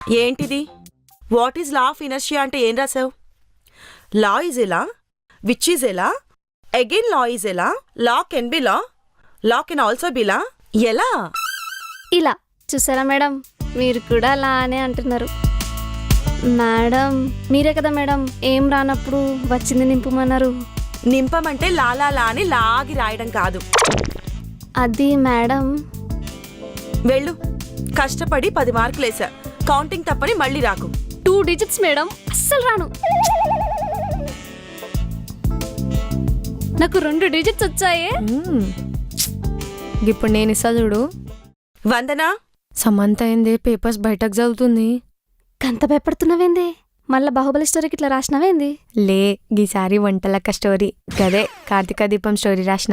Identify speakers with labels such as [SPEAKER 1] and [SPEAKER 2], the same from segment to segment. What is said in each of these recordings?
[SPEAKER 1] ఏంటిది? What is law of inertia అంటే ఏం రాసావు? లా ఈజ్ ఎలా, విచ్ ఈజ్ ఎలా, అగైన్ లా ఈజ్ ఎలా, law can be law, law can also be law, ఎలా?
[SPEAKER 2] ఇలా చూసారా మేడం, మీరు కూడా అలా అనే అంటున్నారు. మేడం మీరే కదా మేడం ఏం రానప్పుడు వచ్చింది నింపమన్నారు.
[SPEAKER 1] నింపమంటే లాలా లా అని లాగి రాయడం కాదు.
[SPEAKER 2] అది మేడం.
[SPEAKER 1] వెళ్ళు, కష్టపడి 10 మార్కులేసా, కౌంటింగ్ తప్పని మళ్ళీ రాకు.
[SPEAKER 2] 2 digits మేడం, అస్సలు రాను. నాకు 2 digits వచ్చాయే.
[SPEAKER 3] ఇప్పుడు నేను ఇస్తా చూడు.
[SPEAKER 1] వందనా,
[SPEAKER 3] సమంత అయిందే పేపర్స్ బయటకు చదువుతుంది.
[SPEAKER 2] కంత భయపడుతున్నావేంది? మళ్ళా బాహుబలి స్టోరీకి ఇట్లా రాసినావేంది?
[SPEAKER 3] లే, గీసారి వంటలక్క స్టోరీ గదే కార్తీక దీపం స్టోరీ రాసిన.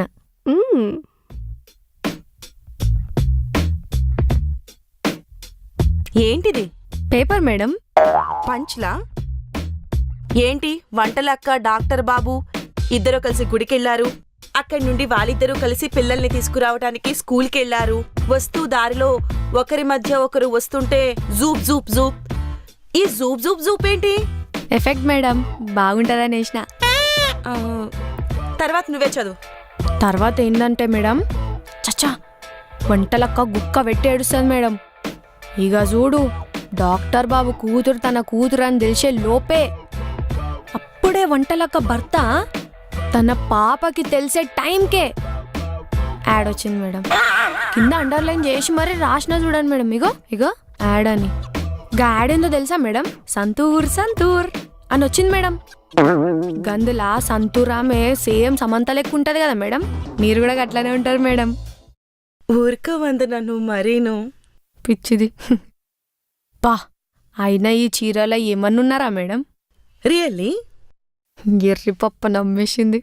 [SPEAKER 1] ఏంటిది?
[SPEAKER 3] Paper madam.
[SPEAKER 1] పంచ్లా? ఏంటి వంటలక్క డాక్టర్ బాబు ఇద్దరు కలిసి గుడికెళ్లారు, అక్కడి నుండి వాళ్ళిద్దరూ కలిసి పిల్లల్ని తీసుకురావడానికి స్కూల్కెళ్లారు, వస్తూ దారిలో ఒకరి మధ్య ఒకరు వస్తుంటే జూప్ జూప్ జూప్. ఈ జూప్ జూప్ జూప్ ఏంటి?
[SPEAKER 3] ఎఫెక్ట్ మేడం, బాగుంటుందని వేసిన.
[SPEAKER 1] తర్వాత నువ్వే చదువు.
[SPEAKER 3] తర్వాత ఏంటంటే మేడం, చచ్చా వంటలక్క గుక్క పెట్టి ఏడుస్తుంది మేడం. ఇక చూడు, డాక్టర్ బాబు కూతురు తన కూతురు అని తెలిసే లోపే అప్పుడే వంటలక్క భర్త తన పాపకి తెలిసే టైంకే యాడ్ వచ్చింది మేడం. కింద అండర్లైన్ చేసి మరీ రాసిన చూడండి మేడం. ఇగో ఇగో యాడ్ అని. గా యాడ్ ఏందో తెలుసా మేడం? సంతూర్ సంతూర్ అని వచ్చింది మేడం. గందులా సంతూర్ ఆమె సేమ్ సమంత లెక్క ఉంటది కదా మేడం, మీరు కూడా అట్లానే ఉంటారు మేడం.
[SPEAKER 1] ఊరిక వందన, నువ్వు మరీను
[SPEAKER 3] పిచ్చిది. పా అయినా ఈ చీరలో ఏమన్నున్నారా మేడం?
[SPEAKER 1] రియల్లీ?
[SPEAKER 3] ఎర్రి పప్ప నమ్మేసింది.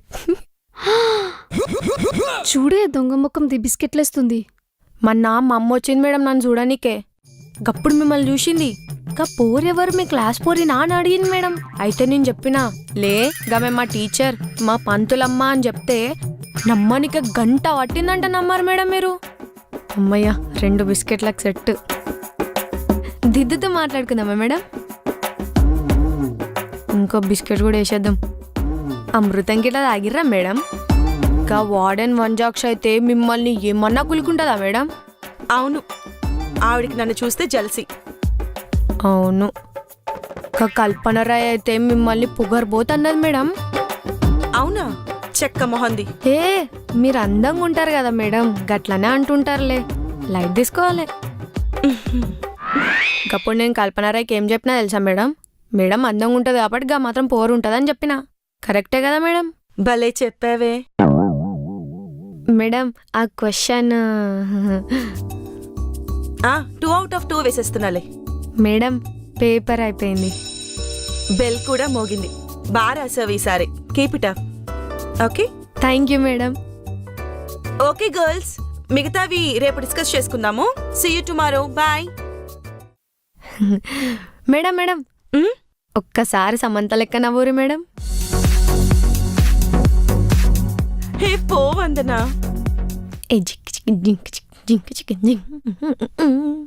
[SPEAKER 2] చూడే దొంగ ముఖం ది బిస్కెట్లేస్తుంది.
[SPEAKER 3] మొన్న మా అమ్మ వచ్చింది మేడం నన్ను చూడనీకే. గప్పుడు మిమ్మల్ని చూసింది. గా పోరెవరు మీ క్లాస్ పోరినా అని అడిగింది మేడం. అయితే నేను చెప్పినా, లే గమే మా టీచర్ మా పంతులమ్మ అని చెప్తే నమ్మనికే గంట పట్టిందంట. నమ్మారు మేడం మీరు? అమ్మయ్య, 2 బిస్కెట్లకు సెట్. దిద్దుతో మాట్లాడుకుందామా మేడం? ఇంకో బిస్కెట్ కూడా వేసేద్దాం. అమృతం గిట్లా తాగిర్రా మేడం? ఇంకా వార్డెన్ వంజాక్ష అయితే మిమ్మల్ని ఏమన్నా కులుకుంటుందా మేడం?
[SPEAKER 1] అవును, ఆవిడికి నన్ను చూస్తే జలసి.
[SPEAKER 3] అవును, ఇంకా కల్పన రాయ్ అయితే మిమ్మల్ని పొగరబోతున్నది మేడం.
[SPEAKER 1] అవునా? చెక్క మొహంది.
[SPEAKER 3] ఏ మీరు అందంగా ఉంటారు కదా మేడం, గట్లనే అంటుంటారులే, లైట్ తీసుకోవాలి. ఇంకప్పుడు నేను కల్పన రాయ్కి ఏం చెప్పినా తెలుసా మేడం? మేడం అందంగా ఉంటుంది కాబట్టి గా మాత్రం పోరు ఉంటుంది అని చెప్పిన. కరెక్టే కదా మేడం?
[SPEAKER 1] భలే చెప్పావే
[SPEAKER 3] మేడం. ఆ క్వశ్చన్
[SPEAKER 1] 2 out of 2 వేసేస్తున్నాలే.
[SPEAKER 3] మేడం పేపర్ అయిపోయింది.
[SPEAKER 1] బెల్ కూడా మోగింది. బాగా రాసావు ఈసారి. Keep it up. Okay,
[SPEAKER 3] thank you madam.
[SPEAKER 1] Okay girls, మిగతావి రేపు డిస్కస్ చేసుకుందాము. See you tomorrow. Bye.
[SPEAKER 3] Madam madam, ఒక్కసారి సమంత లెక్క నవ్వురు మేడం.
[SPEAKER 1] హే పో వందనా.
[SPEAKER 3] ఏ జిక్ జిక్ జింక్ జిక్ జింక్ జిక్ జింక్.